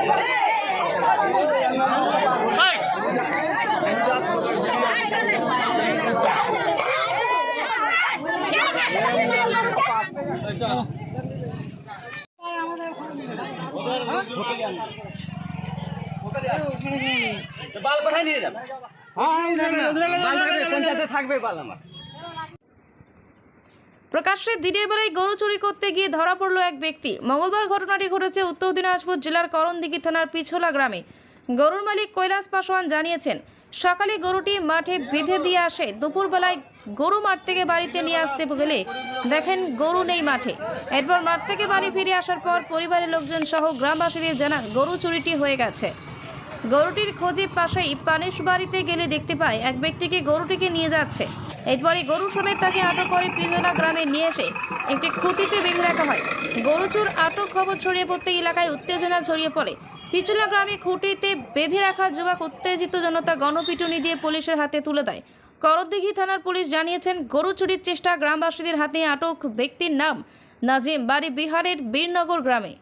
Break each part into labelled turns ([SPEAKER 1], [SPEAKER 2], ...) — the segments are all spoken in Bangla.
[SPEAKER 1] বাল কোথায় নিয়ে যাবে? থাকবে বাল আমার।
[SPEAKER 2] প্রকাশ্যে দিনের বেলায় গরু চুরি করতে গিয়ে ধরা পড়ল এক ব্যক্তি। মঙ্গলবার ঘটনাটি ঘটেছে উত্তর দিনাজপুর জেলার করণদিঘি থানার পিছোলা গ্রামে। গরুর মালিক কৈলাস পাসওয়ান জানিয়েছেন, সকালে গরুটি মাঠে বেঁধে দিয়ে আসে। দুপুরবেলায় গরু মাঠ থেকে বাড়িতে নিয়ে আসতে গেলে দেখেন গরু নেই মাঠে। এরপর মাঠ থেকে বাড়ি ফিরে আসার পর পরিবারের লোকজন সহ গ্রামবাসীদের জানান গরু চুরিটি হয়ে গেছে। গরুটির খোঁজে পাশেই পানিশ বাড়িতে গেলে দেখতে পায় এক ব্যক্তিকে গরুটিকে নিয়ে যাচ্ছে। এরপরে গরু সমেত তাকে আটক করে পিছোলা গ্রামে নিয়ে এসে একটি খুঁটিতে বেঁধে রাখা হয়। গরু চোর আটক খবর ছড়িয়ে পড়তে এলাকায় উত্তেজনা ছড়িয়ে পড়ে। পিছোলা গ্রামে খুঁটিতে বেঁধে রাখা যুবক উত্তেজিত জনতা গণপিটুনি দিয়ে পুলিশের হাতে তুলে দেয়। করণদিঘি থানার পুলিশ জানিয়েছেন, গরু চুরির চেষ্টা গ্রামবাসীদের হাতে আটক ব্যক্তির নাম নাজিম, বাড়ি বিহারের বীরনগর গ্রামে।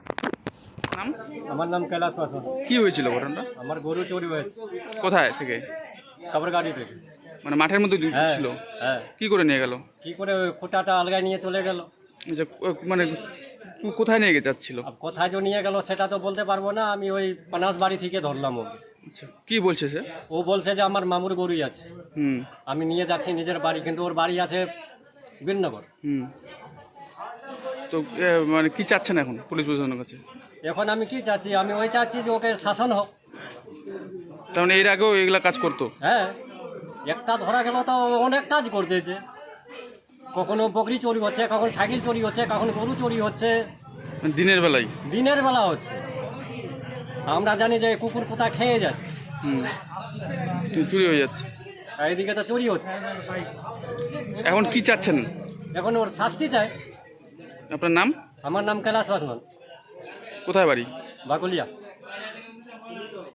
[SPEAKER 3] আমার নাম কৈলাস পাসওয়ান।
[SPEAKER 4] কি হয়েছিল ঘটনাটা?
[SPEAKER 3] আমার গরু চুরি হয়েছে।
[SPEAKER 4] কোথায় থেকে?
[SPEAKER 3] কাপড়গাড়ি থেকে।
[SPEAKER 4] মানে মাঠের মধ্যে ছিল?
[SPEAKER 3] হ্যাঁ।
[SPEAKER 4] কি করে নিয়ে গেল?
[SPEAKER 3] কি করে ওই খুঁটাটা আলগায় নিয়ে চলে গেল।
[SPEAKER 4] আচ্ছা, মানে কোথায় নিয়ে যাচ্ছিল?
[SPEAKER 3] কোথায় যে নিয়ে গেল সেটা তো বলতে পারবো না। আমি ওই পানাস বাড়ি থেকে ধরলাম ওকে।
[SPEAKER 4] আচ্ছা, কি বলছে সে?
[SPEAKER 3] ও বলছে যে আমার মামুর গরুই আছে, আমি নিয়ে যাচ্ছি নিজের বাড়ি, কিন্তু ওর বাড়ি আছে বীরনগর।
[SPEAKER 4] তো মানে কি চাচ্ছেন এখন পুলিশ প্রশাসনের কাছে?
[SPEAKER 3] এখন আমি কি চাচ্ছি, আমি ওই চাচ্ছি যে ওকে শাসন হোক।
[SPEAKER 4] তার মানে এর আগেও এগুলা কাজ করতো?
[SPEAKER 3] হ্যাঁ, একটা ধরা গেল তো অনেক কাজ করতেছে। কখনো বকরি চুরি হচ্ছে, কখন সাইকেল চুরি হচ্ছে, কখন গরু চুরি হচ্ছে।
[SPEAKER 4] দিনের বেলায়?
[SPEAKER 3] দিনের বেলা হচ্ছে। আমরা জানি যে কুকুর কোথা খেয়ে যাচ্ছে,
[SPEAKER 4] চুরি হয়ে যাচ্ছে,
[SPEAKER 3] এইদিকে তো চুরি হচ্ছে।
[SPEAKER 4] এখন কি চাচ্ছেন?
[SPEAKER 3] এখন ওর শাস্তি চাই।
[SPEAKER 4] আপনার নাম?
[SPEAKER 3] আমার নাম কৈলাস পাসওয়ান।
[SPEAKER 4] কোথায় বাড়ি?
[SPEAKER 3] বাকুলিয়া।